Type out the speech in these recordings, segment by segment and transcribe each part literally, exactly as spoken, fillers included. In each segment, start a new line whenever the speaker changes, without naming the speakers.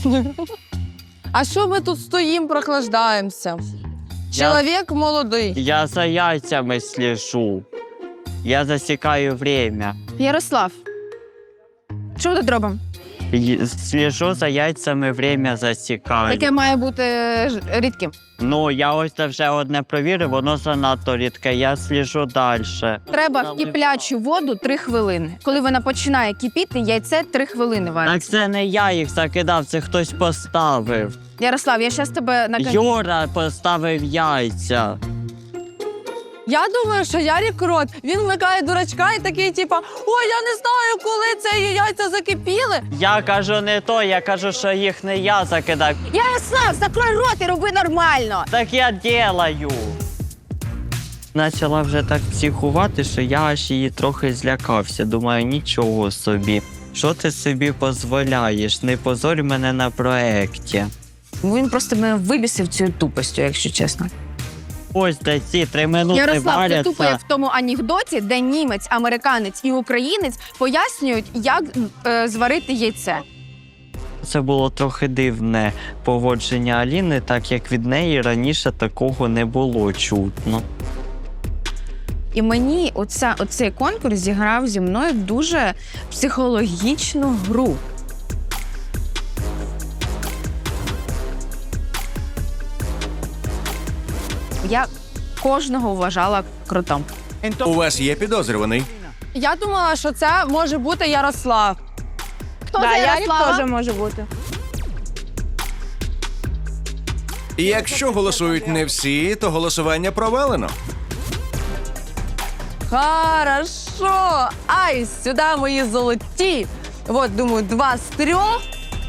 А що ми тут стоїмо, прохлаждаємося? Чоловік молодий.
Я за яйцями слежу. Я засікаю время.
Ярослав, що ми тут робимо?
Й- Слежу за яйцями, время засікаю.
Яке має бути ж- рідким?
Ну, я ось це вже одне провірив, воно занадто рідке, я слежу далі.
Треба в киплячу воду три хвилини. Коли вона починає кипіти, яйце три хвилини варить.
Так це не я їх закидав, це хтось поставив.
Ярослав, я зараз тебе накажу.
Юра поставив яйця.
Я думаю, що Ярік крот. Він вмикає дурачка і такий, типа, ой, я не знаю, коли це яйця закипіли.
Я кажу не то, я кажу, що їх не я закидав.
Ярослав, закрой рот і роби нормально.
Так я делаю. Почала вже так психувати, що я аж її трохи злякався. Думаю, нічого собі. Що ти собі дозволяєш? Не позорь мене на проекті.
Він просто мене вибісив цією тупостю, якщо чесно.
Ось де ці три минути
Ярослав, ти
варяться.
тупо як в тому анекдоті, де німець, американець і українець пояснюють, як е, зварити яйце.
Це було трохи дивне поводження Аліни, так як від неї раніше такого не було чутно.
І мені оця, оцей конкурс зіграв зі мною дуже психологічну гру. Я кожного вважала кротом.
У вас є підозрюваний?
Я думала, що це може бути Ярослав.
Хто
Да,
за
Ярік
Ярослава?
теж може бути.
Якщо голосують не всі, то голосування провалено.
Хорошо. Ай, сюди мої золоті. От, думаю, два з трьох.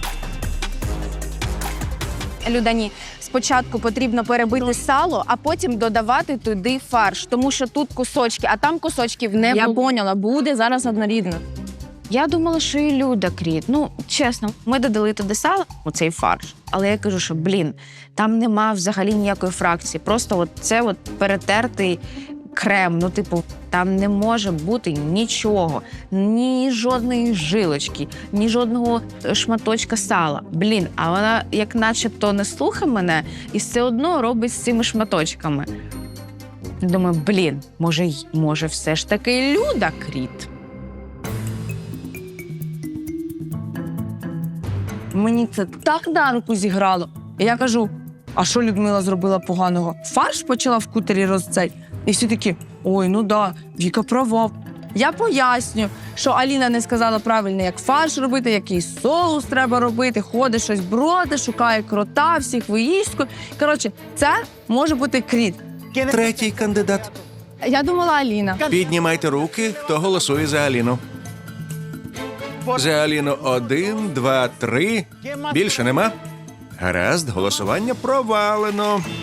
Людані, спочатку потрібно перебити сало, а потім додавати туди фарш, тому що тут кусочки, а там кусочків не
Я
було.
поняла, буде зараз однорідно.
Я думала, що і Люда кріт. Ну, чесно, ми додали туди сало, у цей фарш. Але я кажу, що, блін, там нема взагалі ніякої фракції. Просто от це от перетертий крем. Ну, типу, там не може бути нічого. Ні жодної жилочки, ні жодного шматочка сала. Блін, а вона як начебто не слухає мене і все одно робить з цими шматочками. Думаю, блін, може, й- може все ж таки Люда кріт.
Мені це так на руку зіграло. І я кажу, а що Людмила зробила поганого? Фарш почала в кутері розцей. І всі такі, ой, ну да, Віка права. Я поясню, що Аліна не сказала правильно, як фарш робити, який соус треба робити, ходить щось броди, шукає крота, всіх виїздку. Коротше, це може бути кріт.
Третій кандидат.
Я думала Аліна.
Піднімайте руки, хто голосує за Аліну. За Аліну один, два, три. Більше нема? Гаразд, голосування провалено.